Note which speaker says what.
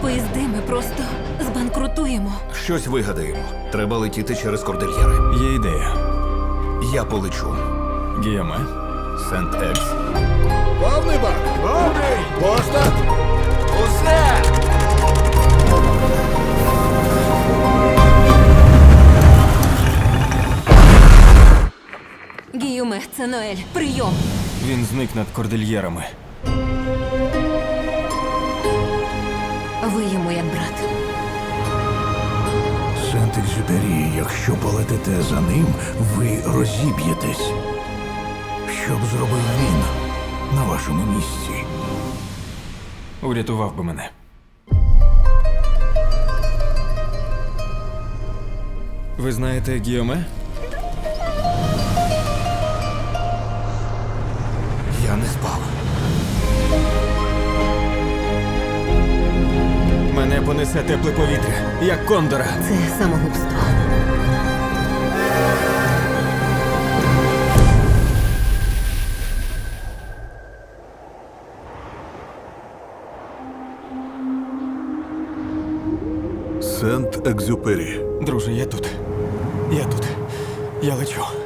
Speaker 1: поїзди ми просто збанкрутуємо.
Speaker 2: Щось вигадаємо. Треба летіти через кордильєри.
Speaker 3: Є ідея.
Speaker 2: Я полечу.
Speaker 3: Гіоме, Сент-Екс.
Speaker 4: Повний бак! Повний! Поста!
Speaker 2: Усе!
Speaker 1: Гіюме, це Ноель. Прийом.
Speaker 3: Він зник над кордильєрами.
Speaker 1: Ви йому як брат.
Speaker 4: Сент-Екзюпері, якщо полетите за ним, ви розіб'єтесь. Що б зробив він на вашому місці?
Speaker 3: Урятував би мене. Ви знаєте Гіоме?
Speaker 2: Я не спав.
Speaker 3: Мене понесе тепле повітря, як кондора.
Speaker 1: Це самогубство.
Speaker 4: Сент-Екзюпері.
Speaker 3: Друже, я тут. Я тут. Я лечу.